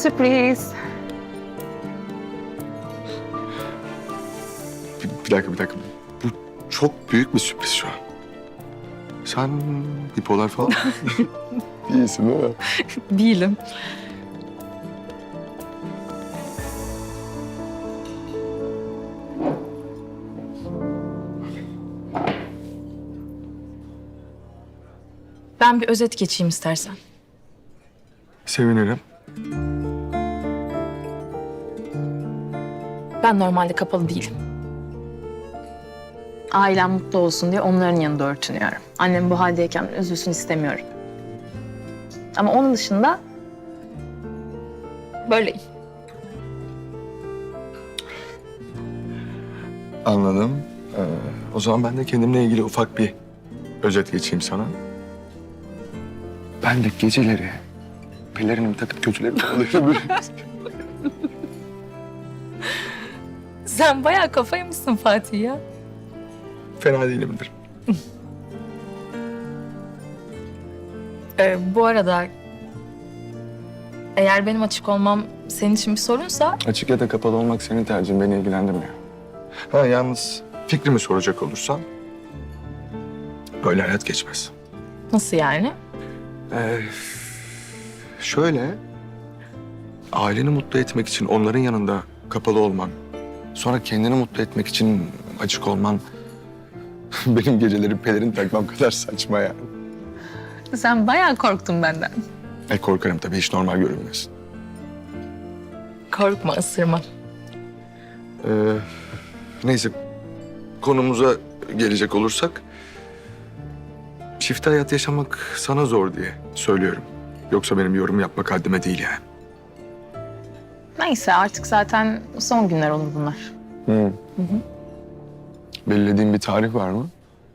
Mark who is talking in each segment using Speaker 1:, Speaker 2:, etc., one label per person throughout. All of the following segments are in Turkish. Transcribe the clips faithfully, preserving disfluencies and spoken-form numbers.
Speaker 1: sürpriz.
Speaker 2: Bir, bir dakika, bir dakika. Bu çok büyük bir sürpriz şu an. Sen bipolar falan değilsin değil mi?
Speaker 1: Değilim. Ben bir özet geçeyim istersen.
Speaker 2: Sevinirim.
Speaker 1: Ben normalde kapalı değilim. Ailem mutlu olsun diye onların yanında örtünüyorum. Annem bu haldeyken üzülsün istemiyorum. Ama onun dışında böyleyim.
Speaker 2: Anladım. Ee, o zaman ben de kendimle ilgili ufak bir özet geçeyim sana. Ben de geceleri pelerinimi takıp kötüleri kovalıyorum.
Speaker 1: Sen bayağı kafaymışsın Fatih ya.
Speaker 2: Fena değilimdir.
Speaker 1: Ee, bu arada eğer benim açık olmam senin için bir sorunsa
Speaker 2: Açık ya da kapalı olmak senin tercihin, beni ilgilendirmiyor. Ha yalnız fikrimi soracak olursan böyle hayat geçmez.
Speaker 1: nasıl yani?
Speaker 2: Ee, şöyle, aileni mutlu etmek için onların yanında kapalı olman, sonra kendini mutlu etmek için açık olman benim geceleri pelerin takmam kadar saçma yani.
Speaker 1: Sen bayağı korktun benden.
Speaker 2: E korkarım tabii, hiç normal görünmüyorsun.
Speaker 1: Korkma, ısırma.
Speaker 2: Ee, neyse, konumuza gelecek olursak, çift hayat yaşamak sana zor diye söylüyorum. Yoksa benim yorum yapmak haddime değil yani.
Speaker 1: Neyse artık zaten son günler olur bunlar.
Speaker 2: Hı. Belirlediğin bir tarih var mı?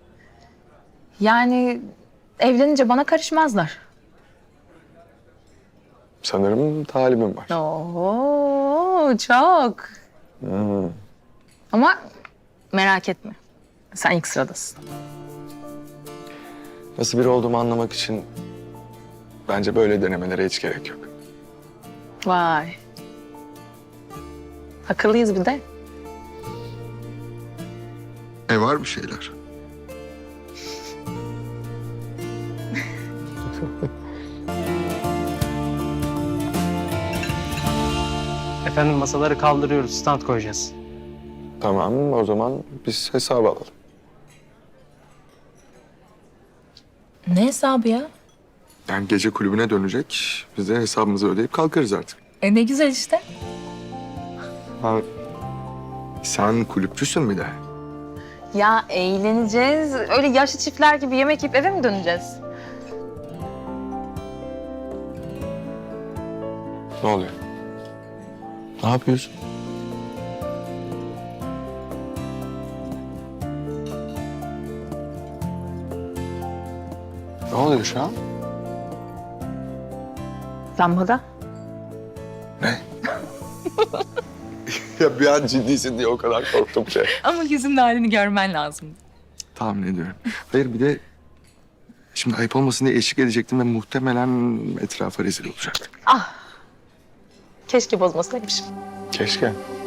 Speaker 1: Yani evlenince bana karışmazlar.
Speaker 2: Sanırım talibim var.
Speaker 1: Oo, çok.
Speaker 2: Hı.
Speaker 1: Ama merak etme. Sen ilk sıradasın.
Speaker 2: Nasıl biri olduğumu anlamak için bence böyle denemelere hiç gerek yok.
Speaker 1: Vay. Akıllıyız bir de.
Speaker 2: E var bir şeyler.
Speaker 3: Efendim masaları kaldırıyoruz, stand koyacağız.
Speaker 2: Tamam, o zaman biz hesabı alalım.
Speaker 1: Ne hesabı ya?
Speaker 2: Yani gece kulübüne dönecek. Biz de hesabımızı ödeyip kalkarız artık.
Speaker 1: E ne güzel işte.
Speaker 2: Ha, sen kulüpçüsün bir de.
Speaker 1: Ya eğleneceğiz. Öyle yaşlı çiftler gibi yemek yiyip eve mi döneceğiz?
Speaker 2: Ne oluyor? Ne yapıyorsun? Ne oluyor şu an?
Speaker 1: Lambada.
Speaker 2: Ne? Ya bir an ciddisin diye o kadar korktum ki.
Speaker 1: Ama yüzünün halini görmen lazım.
Speaker 2: Tahmin ediyorum. Hayır bir de şimdi ayıp olmasın diye eşlik edecektim ve muhtemelen etrafa rezil olacaktık.
Speaker 1: Keşke bozmasaymışım.
Speaker 2: Keşke.